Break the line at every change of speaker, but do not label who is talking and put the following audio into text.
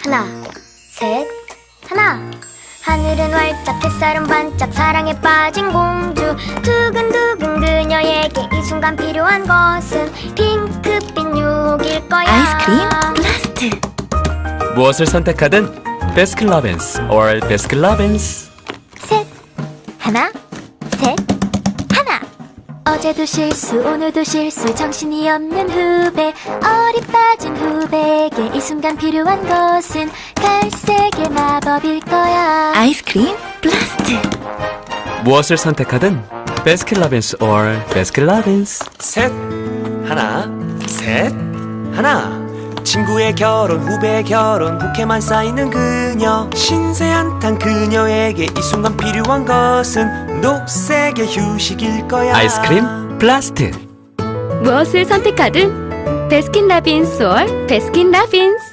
하나, 셋, 하나. 하늘은 활짝 햇살은 반짝 사랑에 빠진 공주 두근두근 그녀에게 이 순간 필요한 것은 핑크빛 유혹일 거야.
아이스크림 블라스트.
무엇을 선택하든 베스킨라빈스 or 베스킨라빈스.
셋, 하나, 셋, 하나.
어제도 실수 오늘도 실수 정신이 없는 후배 어리 빠진 후배에게 이 순간 필요한 것은 갈색의 마법일 거야.
아이스크림 블라스트.
무엇을 선택하든 베스킨라빈스 or 베스킨라빈스.
셋, 하나, 셋, 하나. 친구의 결혼, 후배의 결혼, 부케만 쌓이는 그녀. 신세 한탄 그녀에게 이 순간 필요한 것은 녹색의 휴식일 거야.
아이스크림 블라스트.
무엇을 선택하든 베스킨라빈스 or 베스킨라빈스.